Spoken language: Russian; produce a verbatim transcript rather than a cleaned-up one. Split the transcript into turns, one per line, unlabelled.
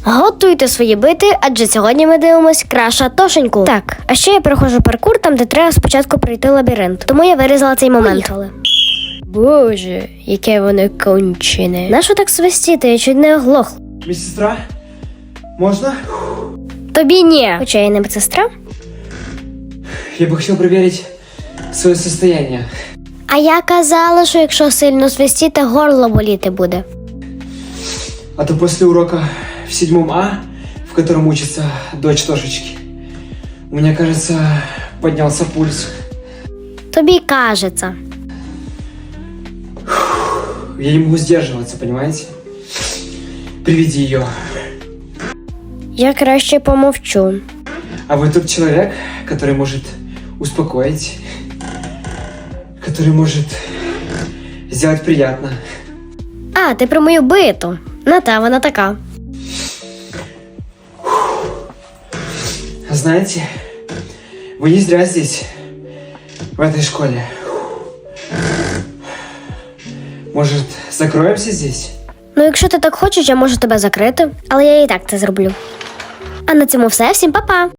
Готуйте свої бити, адже сьогодні ми дивимось Краша Тошеньку. Так, а ще я проходжу паркур там, де треба спочатку пройти лабіринт. Тому я вирізала цей момент. Поїхали. Боже, яке воно кончене. Нащо так свистіти? Я чуть не оглохла.
Медсестра, можно?
Тобі ні. Хоча я не медсестра.
Я бы хотел проверить свое состояние.
А я казала, що якщо сильно свистіти, горло боліти буде.
А то после урока в седьмом А, в котором учится дочь Тошечки, у меня, кажется, поднялся пульс.
Тобі кажеться.
Я не могу сдерживаться, понимаете? Приведи ее.
Я краще помовчу.
А вы тот человек, который может успокоить, который может сделать приятно.
А, ти про мою биту. На та, вона така.
Знаете, вы не зря здесь, в этой школе. Может, закроемся здесь?
Ну, якщо ти так хочеш, я можу тебе закрити, але я і так це зроблю. А на цьому все. Всім па-па!